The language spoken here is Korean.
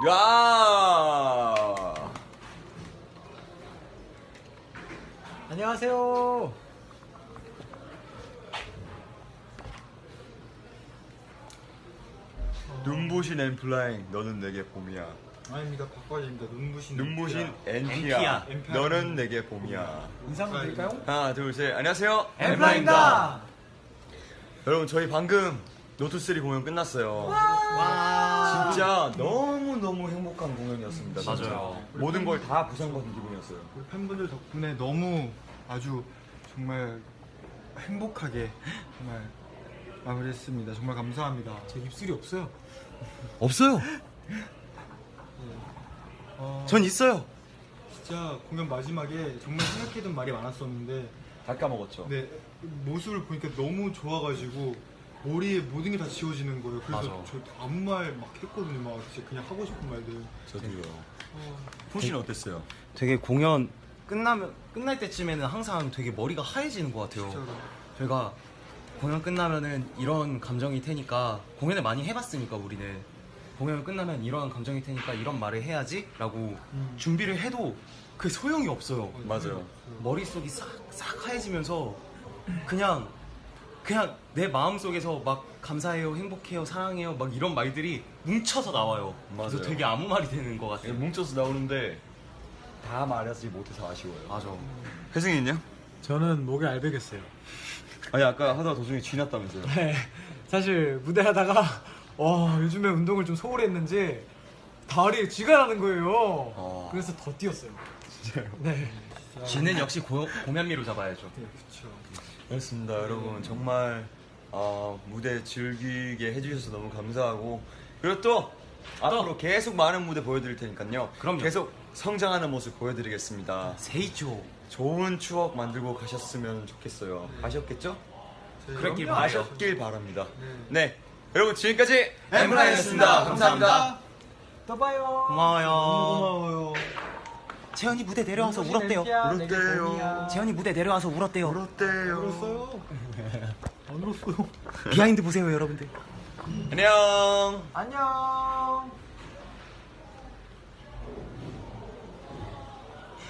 야. 안녕하세요. 눈부신 엠플라잉 너는 내게 봄이야. 아닙니다. 바꿔야 됩니다. 눈부신 엔피야. 엔피야. 너는 내게 봄이야. 인사 한번 드릴까요? 하나 둘 셋. 안녕하세요. 엠플라잉입니다. 여러분 저희 방금 노트3 공연 끝났어요. 와. 진짜 너무 행복한 공연이었습니다. 진짜. 맞아요. 모든 걸 다 보상받은 기분이었어요. 우리 팬분들 덕분에 너무 아주 정말 행복하게 정말 마무리했습니다. 정말 감사합니다. 제 입술이 없어요. 없어요. 전 있어요. 진짜 공연 마지막에 정말 생각해둔 말이 많았었는데 다 까먹었죠. 네, 모습을 보니까 너무 좋아가지고 머리에 모든 게 다 지워지는 거예요. 그래서 맞아. 저 아무 말 막 했거든요. 막 진짜 그냥 하고 싶은 말들. 저도요. 풍씨는 어땠어요? 되게 공연 끝날 때쯤에는 항상 되게 머리가 하얘지는 것 같아요. 진짜로. 저희가 공연 끝나면은 이런 감정일 테니까 공연을 많이 해봤으니까 우리는 공연 끝나면 이런 감정일 테니까 이런 말을 해야지라고 준비를 해도 그 소용이 없어요. 맞아요. 머릿속이 싹 하얘지면서 그냥 내 마음속에서 막 감사해요, 행복해요, 사랑해요 막 이런 말들이 뭉쳐서 나와요. 그래서 맞아요. 되게 아무 말이 되는 것 같아요. 뭉쳐서 나오는데 다 말하지 못해서 아쉬워요. 맞아. 혜승이 있냐? 저는 목에 알배겼어요. 아니 아까 하다가 도중에 쥐났다면서요? 네. 사실 무대 하다가 요즘에 운동을 좀 소홀히 했는지 다리에 쥐가 나는 거예요. 그래서 더 뛰었어요. 진짜요? 네. 쥐는 역시 고면미로 잡아야죠. 네, 그렇죠. 그렇습니다 여러분 정말 무대 즐기게 해주셔서 너무 감사하고 그리고 또 앞으로 계속 많은 무대 보여드릴 테니까요. 그럼요. 계속 성장하는 모습 보여드리겠습니다. 세이죠. 좋은 추억 만들고 가셨으면 좋겠어요. 가셨겠죠? 그랬길 그럼요. 바라요. 가셨길 바랍니다. 네 여러분 지금까지 엠플라잉이었습니다. 감사합니다. 또 봐요. 고마워요. 고마워요. 재현이 무대 내려와서 눈부신 울었대요. 엠피야, 내게 울었대요. 봄이야. 재현이 무대 내려와서 울었대요. 울었대요. 울었어요? 안 울었어요. 비하인드 보세요, 여러분들. 안녕. 안녕.